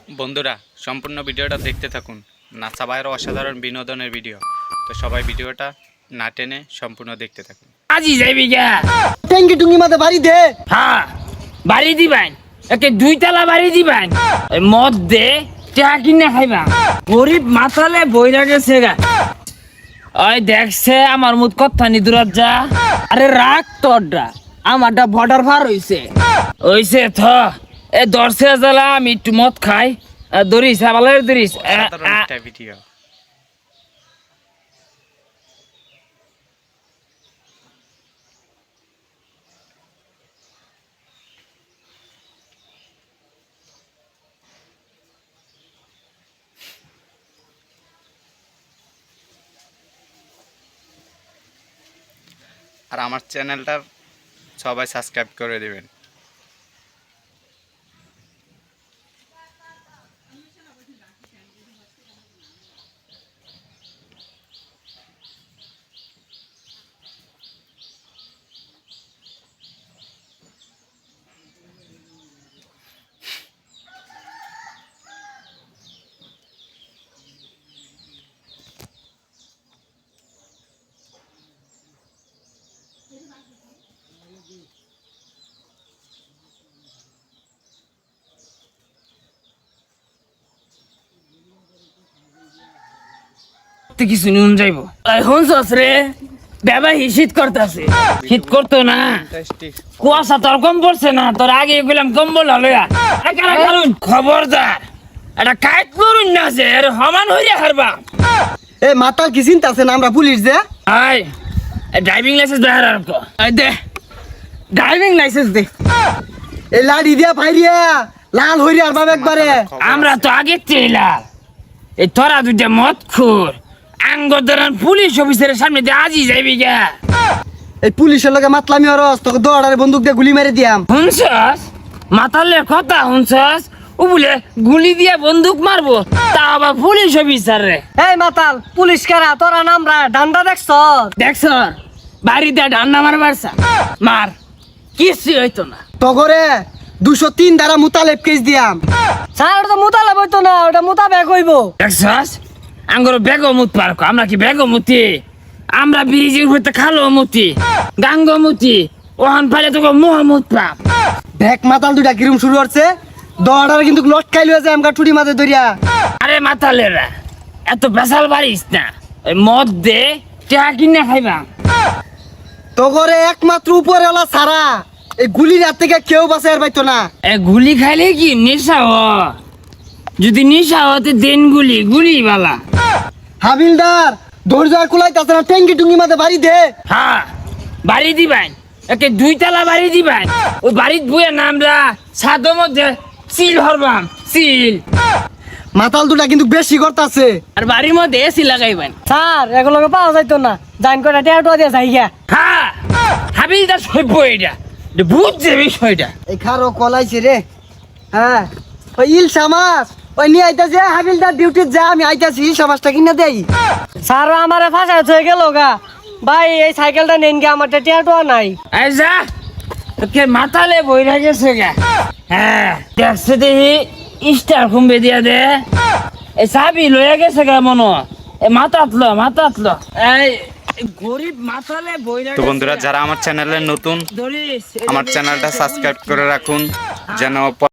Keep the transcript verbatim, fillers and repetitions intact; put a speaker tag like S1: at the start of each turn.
S1: বন্ধুরা সম্পূর্ণ ভিডিওটা দেখতে থাকুন। নাসা ভাইয়ের অসাধারণ বিনোদনের ভিডিও, তো সবাই ভিডিওটা না টেনে সম্পূর্ণ দেখতে থাকুন।
S2: আজি যাইবি গা
S3: ট্যাঙ্কি টুঙ্গি মাঝে বাড়ি দে।
S2: হ্যাঁ বাড়ি দিবেন, একে দুই তালা বাড়ি দিবেন, মদ দে চা কিনে খাইবা। গরিব মাথালে বইরা গেছে গা। ওই দেখছে আমার মুখ কথা নি দূরাত যা। আরে রাখ তোরটা, আমারটা বর্ডার পার হইছে হইছে থ এ দর্শে জ্বালা আমি একটু মদ খাই। ধরিস ভালো ধরিস
S1: অসাধারণ একটা ভিডিও। আর আমার চ্যানেলটা সবাই সাবস্ক্রাইব করে দেবেন।
S2: কিছু নুন যাইবো এখন রে বাবা শীত করতেছে, শীত করতো না, কুয়াশা তোর কম পড়ছে না, তোর আগে গেলাম কম্বল হলয়া খবরদার এটা কাইট করুন না যে সমান হইয়া হারবা।
S3: এ মাতাল কি চিন্তা আছে না আমরা পুলিশ যে
S2: আই ড্রাইভিং লাইসেন্স দে আর আই দে ড্রাইভিং লাইসেন্স দে।
S3: এই লাড়ি দিয়া ভাইরিয়া লাল হইরে আর বাবা একবারে
S2: আমরা তো আগে তেলা এই তোরা দুইটা মদ খুর আঙ্গদারান পুলিশ অফিসারের সামনে দিয়ে আজি যাইবি গা।
S3: এই পুলিশের লগে মাতলামি হরস তোকে দৌড়ারে বন্দুক দিয়ে গুলি মেরে দিয়াম।
S2: শুনছস মাতালের কথা শুনছস? ও বলে গুলি দিয়া বন্দুক মারবো, তা আবার পুলিশ অফিসার রে।
S3: এই মাতাল পুলিশ কারা তোরা নামরা ডান্ডা দেখছ
S2: দেখছ বাড়িতে ডান্ডা মারবার মার কিছু হইতো না।
S3: তগরে দুশো তিন ধারা মুতালেব কেস দিয়াম। স্যার ওটা তো মুতালেব হইতো না, ওটা মুতাবেক হইব।
S2: দেখছস আঙ্গর বেগমুত পার্ক, আমরা কি বেগমতি? আমরা ব্রিজের উপরে খালো মতি গাঙ্গ মতি ওহান পাইলে তোকে মোহাম্মদ পাপ।
S3: দেখ মাতাল দুইটা কিরম শুরু হচ্ছে, দৌড়ারে কিন্তু লটকাই লয়ে যায় আমগা টুটি মাঝে ধরিয়া।
S2: আরে মাতালেরা এত বেসাল বাড়িস না, ওই মদ দে চা কিনে খাইবা।
S3: তগরে একমাত্র উপরে ওলা সারা এই গুলির হাত থেকে কেউ বাঁচাই আর পাইতো না।
S2: এ গুলি খাইলে কি নেশা হ? যদি নেশা হতে দেন গুলি গুলি বালা।
S3: হাবিলদার ধৈর্য আর কুলাইতাছে না, ট্যাঙ্কি টুঙ্গি মাঝে বাড়ি দে।
S2: হ্যাঁ বাড়ি দিবেন, একে দুই তালা বাড়ি দিবেন। ওই বাড়ির বইয়ের নামরা ছাদের মধ্যে সিল হরবাম সিল।
S3: মাতাল দুটা কিন্তু বেশি করতাছে।
S2: আর বাড়ির মধ্যে এসি লাগাইবেন।
S3: স্যার এগুলোকে পাওয়া যাইতো না, জান করে টেয়াটো দিয়ে যাই গিয়া।
S2: হ্যাঁ হাবিলদার সভ্য এটা বুঝছে বিষয়টা।
S3: এই খারো কলাইছে রে। হ্যাঁ ওই ইলশা মাছ ওই নিয়ে আইতাছে, হাবিলদার ডিউটি যা আমি আইতাছি ইলশা মাছটা কিনে দেই। স্যার আমারে ফাঁসা হয়ে গেল গা ভাই, এই সাইকেলটা নেন গিয়ে আমার টেয়াটো নাই।
S2: এই যা তোকে মাথালে বইরা গেছে গা। হ্যাঁ দেখছে দেখি স্টার কুম্বে দিয়া দে। এই চাবি লইয়া গেছে গা মনো, এই মাথাত ল মাথাত ল। এই গরিব মাথালে বইরা।
S1: তো বন্ধুরা যারা আমার চ্যানেলে নতুন,
S2: ধরিস
S1: আমার চ্যানেলটা সাবস্ক্রাইব করে রাখুন যেন